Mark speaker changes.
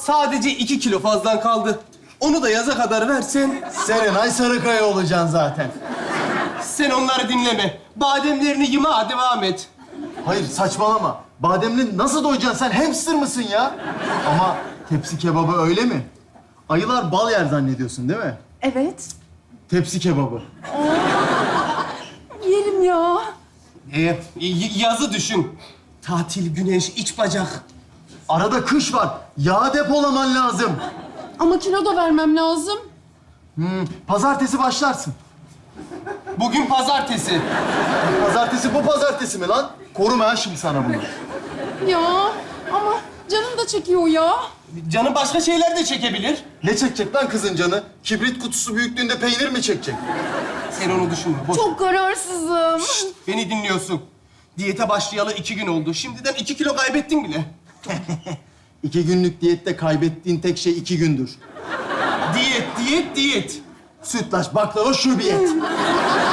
Speaker 1: Sadece 2 kilo fazlan kaldı. Onu da yaza kadar versen,
Speaker 2: Serenay Sarıkaya olacaksın zaten.
Speaker 1: sen onları dinleme. Bademlerini yıma, devam et.
Speaker 2: Hayır saçmalama. Bademli nasıl doyacaksın sen? Hamster mısın ya? Ama tepsi kebabı öyle mi? Ayılar bal yer zannediyorsun değil mi?
Speaker 3: Evet.
Speaker 2: Tepsi kebabı.
Speaker 3: Yerim ya.
Speaker 1: Yazı düşün. Tatil, güneş, iç bacak.
Speaker 2: Arada kış var. Yağ depolaman lazım.
Speaker 3: Ama kilo da vermem lazım.
Speaker 2: Pazartesi başlarsın.
Speaker 1: Bugün pazartesi.
Speaker 2: Pazartesi bu pazartesi mi lan? Koruma ha şimdi sana bunu.
Speaker 3: Ya ama canım da çekiyor ya.
Speaker 1: Canı başka şeyler de çekebilir.
Speaker 2: Ne çekecek lan kızın canı? Kibrit kutusu büyüklüğünde peynir mi çekecek?
Speaker 1: Sen onu düşünme. Boş.
Speaker 3: Çok kararsızım.
Speaker 1: Beni dinliyorsun. Diyete başlayalı 2 gün oldu. Şimdiden 2 kilo kaybettin bile.
Speaker 2: 2 günlük diyette kaybettiğin tek şey 2 gündür.
Speaker 1: Diyet, diyet, diyet.
Speaker 2: Sütlaç, baklava, şubiyet.